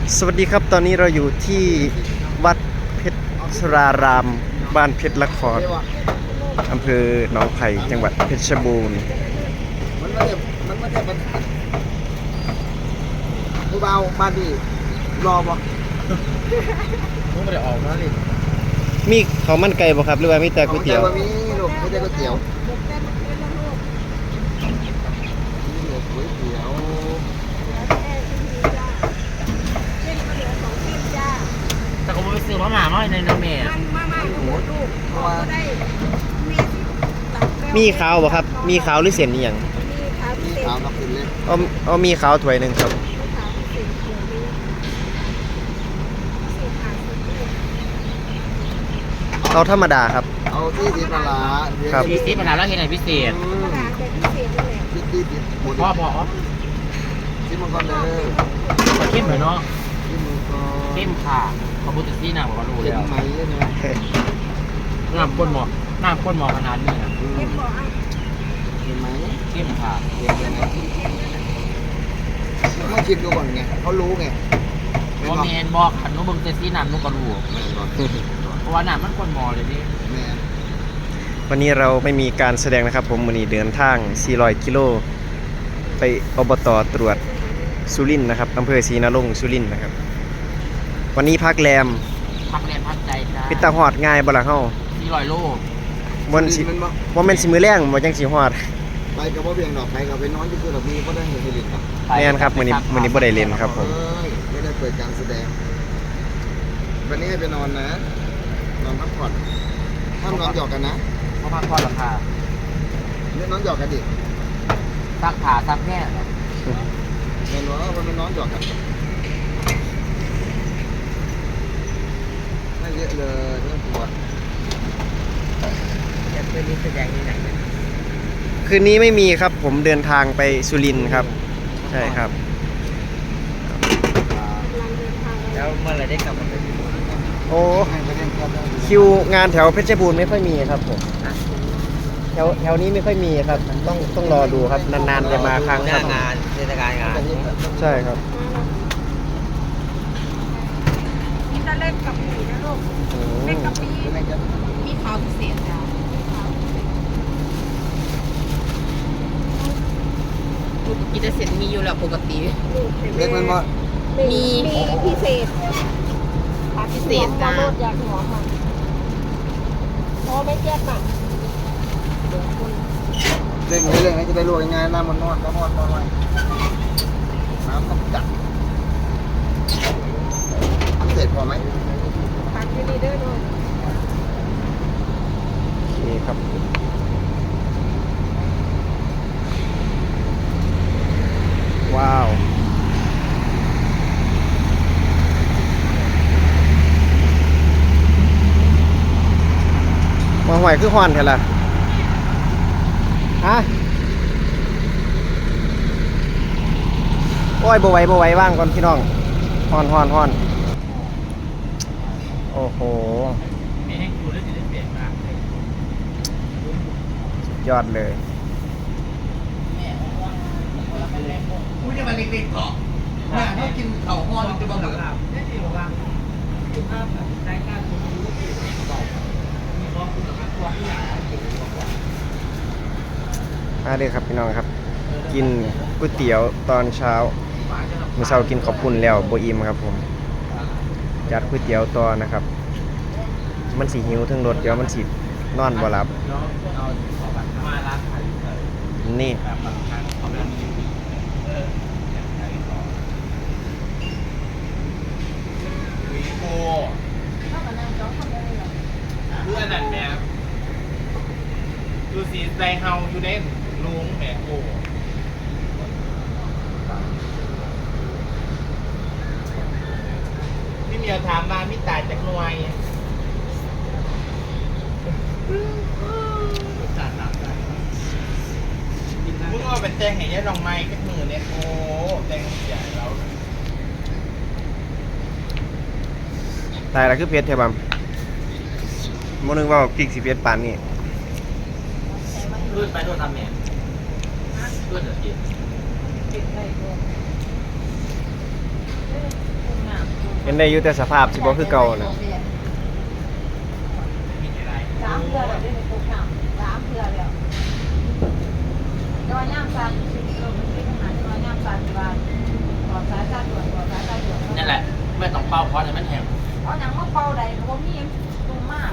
สวัสดีครับตอนนี้เราอยู่ที่วัดเพชรสรารามบ้านเพชรละครอำเภอหนองไผ่จังหวัดเพชรบูรณ์มันไม่ได้ผู้เบามาดิรอบ่มึงไม่ได้ออกมาดิมีข้าวมันไก่บ่ครับหรือว่ามีแต่ก๋วยเตี๋ยวมีลูกไม่ได้ก๋วยเตี๋ยวก๋วยเตี๋ยวแต่ก็ไปซื้อมาหม่าน้อยในน้ำเมย์มีขาวบ่ครับมีขาวหรือเส้นนี่หยังมีขาวกับกินเลยเอามีขาวถ้วยหนึงครับเอาธรรมดาครับเอาที่ดีปลาครับพิเศษมานานแล้วเห็นไหนพิเศษที่พ่อที่มังกรเลยเข้มเลยเนาะที่มังกรเข้มค่ะขบุตรซีน่ะบอกว่ารู้เห็นแล้วไหมเนี่ยน้ำข้นหมอขนาดนี้นะเห็นไหมเข้มค่ะเห็นยังไงต้องชิมดูก่อนไงเขารู้ไงเพราะเมนบอกขันนุบึงเจซี่น้ำนุก็รู้เพราะว่าน้ำมันข้นหมอเลยนี่วันนี้เราไม่มีการแสดงนะครับผมวันนี้เดินทาง400กิโลไปอบต.ตรวจสุรินทร์นะครับอำเภอศรีนรงค์สุรินทร์นะครับวันนี้พักแรมพักใจจ้าปิดตาหอดง่ายบ่ล่ะเฮา 400 โลบ่แม่นสิมื้อแรงบ่จังสิฮอดไปกับว่าเบียงดอกไปกับไปนอนที่คือแบบมีก็ได้เห็นเห็นครับแม่นครับมื้อนี้บ่ได้เล่นครับผมไม่ได้เปิดการแสดงวันนี้ให้ไปนอนนะนอนพักผ่อนห้ามนอนหยอกกันนะเพราะพักผ่อนราคาเล่นนอนหยอกกันดิซักขาซักแค่เห็นว่ามันนอนหยอกกันไม่เยอะเลยเรื่องปวดจะเป็นนี้แสดงที่ไหนคืนนี้ไม่มีครับผมเดินทางไปสุรินทร์ครับใช่ครับแล้วเมื่อไรได้กลับมาเป็นโอ้คิวงานแถวเพชรบูรณ์ไม่ค่อยมีครับผมแถวนี้ไม่ค่อยมีครับต้องรอดูครับนานๆจะมาครั้งครับงานเทศกาลงานใช่ครับกินแล้วเล่นกับผีนะลูกเล่นกับผีมีขาวพิเศษจ้ะกินแต่เสร็จมีอยู่แล้วปกติเล็กมันว่ามีพิเศษพิเศษจ้าอยากหัวมันพอไม่แก้ป่ะเล่นเล่นให้จะได้รวยง่ายน้ำมันนอนก็นอนนอนน้ำต้องจัดพิเศษพอไหมปักอยู่นี่ด้วยลูกโอเคครับว้าวมาห่วยคือฮอนแท้ล่ะฮะโอ้ยบ่ไหวว่างก่อนพี่น้องฮอนโอ้โหยอดเลยกูจะมาเล็กๆเกาะถ้ากินเข่าห้อนจะมาเหมือนกันมาเลยครับพี่น้องครับกินก๋วยเตี๋ยวตอนเช้ามื้อเช้ากินขอบคุณแล้วบ่อิ่มครับผมจัดก๋วยเตี๋ยวต่อนะครับมันสิหิวถึงรถเดี๋ยวมันสินอนบ่หลับนี่เพื่อนนั่นแม่ดูสีใจเฮาอยู่เด่นลุงแม่โอ้พี่เมียวถามมามิตายจากหน่วยมึงเอาไปแจ้งให้ยายลองไม้กับมือเนี่ยโอ้แจ้งใหญ่แล้วตายแล้วคือเพชรเทบัมมื้อนึงว่าพริกสิเพชรปานนี้ลื่นไปโดนทำเนี่ยลื่นเดี๋ยวกินเป็นได้อยู่แต่สภาพสิบ่คือเก่านะ 3 เทื่อแล้วได้ตกน้ำ3 เทื่อแล้วดอยย่างซันมันเป็นอาหารดอยย่างซันว่าต่อสายการด่วนต่อสายการด่วนนั่นแหละไม่ต้องเป่าเพราะมันแห้งเอาหนังมาเป่าใดเพราะมีตรงมาก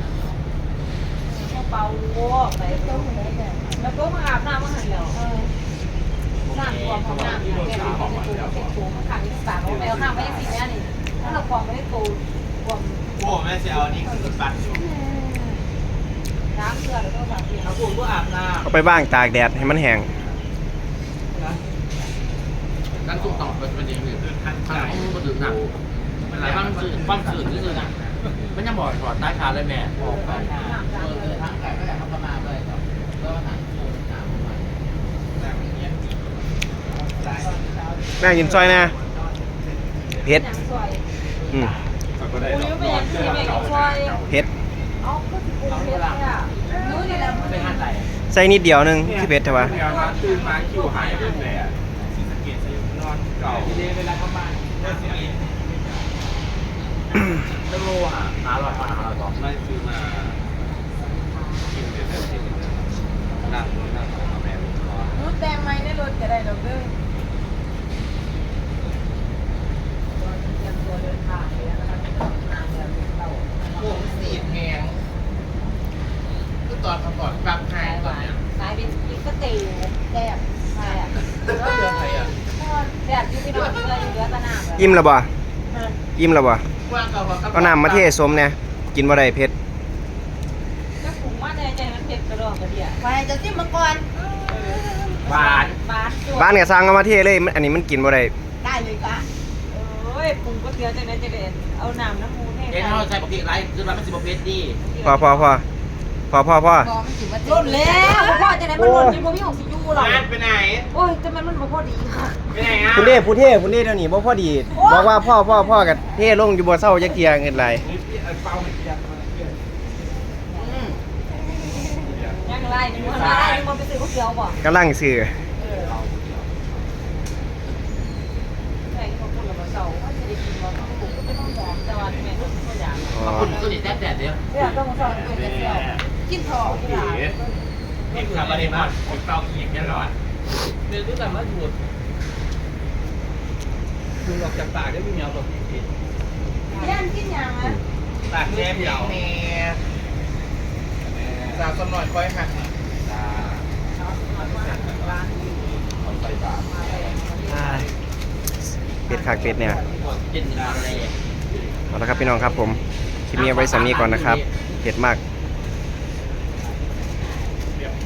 มาเป่าโว้ไปแล้วก็มาอาบน้ำมาหันแล้วน้ำตัวของน้ำเนี่ยแกเป็นตัวมันขังอีก3เอาไปเอาน้ำไว้ยังสิแม่นี่ถ้าเราควงไม่ได้ตัวควงโอ้แม่เสียเอานี่คือปัดอยู่น้ำเกลือแล้วก็สารเพียงเอาปูก็อาบน้เอาไปบ้างตากแดดให้มันแห้งำนั่นสุกต่อเป็นอย่างอื่นข้างหลังมันดื่มหนักมันหลายบ้างสื่อความสื่อนี่เลยนะมันยังบอกถอดใต้ขาเลยแม่บอกไปทั้งไก่ก็อยากทำประมาณเลยก็หนังแม่กินซอยนะเผ็ดอย่างสวยอืมอุ้ยเป็นอย่างที่แม่กินซอยเผ็ดเอาก็สิปรุงเผ็ดเลยอ่ะนู้นนี่แหละไม่หันไหลใส่นิดเดียวนึงที่เผ็ดใช่ปะเดี๋ยวนะตื่นมาคิวหายไปเลยอ่ะสีสะเกตนอนเก่าทีนี้เวลาเข้าบ้านเริ่มกินเริ่มโลหะหาหลอดหาหลอดต่อไม่ซื้อมากินเดี๋ยวเดี๋ยวเดี๋ยวนั่งเอาแม่นู้นแดงไหมในรถจะได้ดอกเด้อเตรียมตัวเดินทางเลยนะคะน้ำเดือดเต่าโอ้สีแพงคือตอนก่อนปรับไฮตอนเนี้ยสายเป็นพิกเตแดดใช่อ่ะเดือนไทยอ่ะแดดอยู่ที่นอนเกลืออยู่เดือดตะนามเลยอิ่มแล้วบ่อิ่มแล้วบ่ว่างเก่าเอาน้ำมาเทสมเนี่ยกินบ่ได้เผ็ดจะปรุงมาในใจมันเผ็ดกระดองกระเดียไปจะจิ้มมังกรหวานบาสบ้านก็สั่งเอามาเทเลยอันนี้มันกินบ่ได้ได้เลยจ้ะเอ้ยปรุงก็เกลือจังนั้นจะเด็ดเอาน้ำน้ำมูนให้เอ็นเขาใช้ปกติไรคือเราไม่สิบเพชรดีพอล่นแล้วพ่อจะไหนมันล่นจนบ่มีของสิยูหรอกไปไหนโอ้ยแต่มันบ่พอดีค่ะไปไหนอ่ะคุณเท่เดี๋ยวนี้บ่พอดีบอกว่าพ่อกับเท่ลงอยู่บ่เศร้าจักเที่ยเงินหลายยังไรนึกว่าไรนึกว่าไปซื้อก๋วยเตี๋ยวบ่กำลังซื้อใช่เขาพูดแล้วเศร้าว่าจะได้กินบ่ต้องปรุงก็ไม่ต้องหอมแต่ว่าแม่ก็ตัวอย่างอ๋อคุณตัวนี้แซ่บเดียวเรื่องต้องเศร้าเป็นเดียวกินทองที่ร้านเอ็กซ์คาบาเรมอนผมเตาเขียงยันร้อนเนื้อที่แบบว่าดูดคือออกจากปากได้ไม่เหนียวแบบนี้ย่านกินยังอ่ะปากแซ่บเดียวสาวสมหน่อยคอยหักเป็ดคักเป็ดเนี่ยกินอะไรเอาละครับพี่น้องครับผมคลิปนี้เอาไว้สำนี้ก่อนนะครับเผ็ดมาก